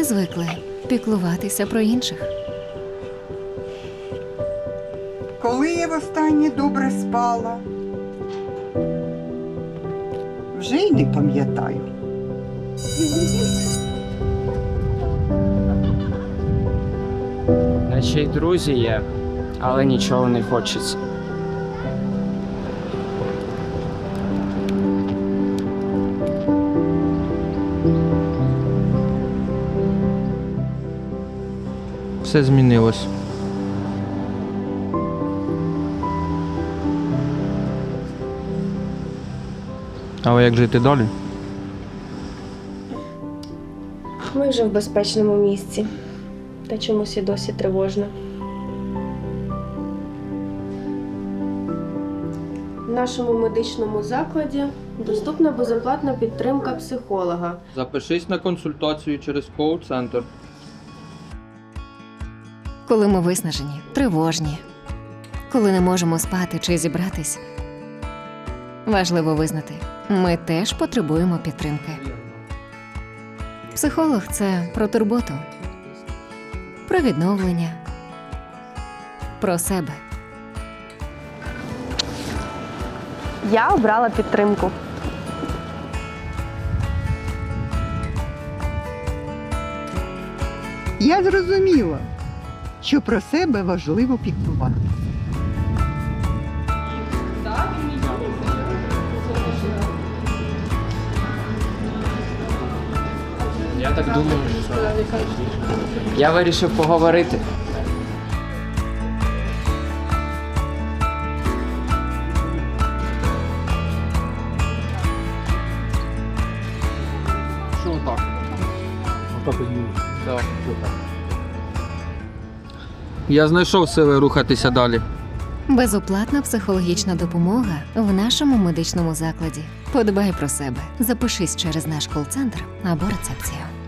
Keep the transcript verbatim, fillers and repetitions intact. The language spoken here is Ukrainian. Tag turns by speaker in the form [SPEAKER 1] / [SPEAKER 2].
[SPEAKER 1] звикли піклуватися про інших.
[SPEAKER 2] Коли я востаннє добре спала? Вже й не пам'ятаю.
[SPEAKER 3] Наче й друзі є, але нічого не хочеться.
[SPEAKER 4] Все змінилось. Але як жити далі?
[SPEAKER 5] Ми вже в безпечному місці. Та чомусь і досі тривожно. В нашому медичному закладі доступна безоплатна підтримка психолога.
[SPEAKER 4] Запишись на консультацію через коуч-центр.
[SPEAKER 1] Коли ми виснажені, тривожні, коли не можемо спати чи зібратись, важливо визнати, ми теж потребуємо підтримки. Психолог – це про турботу, про відновлення, про себе.
[SPEAKER 5] Я обрала підтримку.
[SPEAKER 2] Я зрозуміла, що про себе важливо піклуватися.
[SPEAKER 3] Я так думаю, що я вирішив поговорити.
[SPEAKER 4] Що отак? Отак Так. Я знайшов сили рухатися далі.
[SPEAKER 1] Безоплатна психологічна допомога в нашому медичному закладі. Подбай про себе. Запишись через наш кол-центр або рецепцію.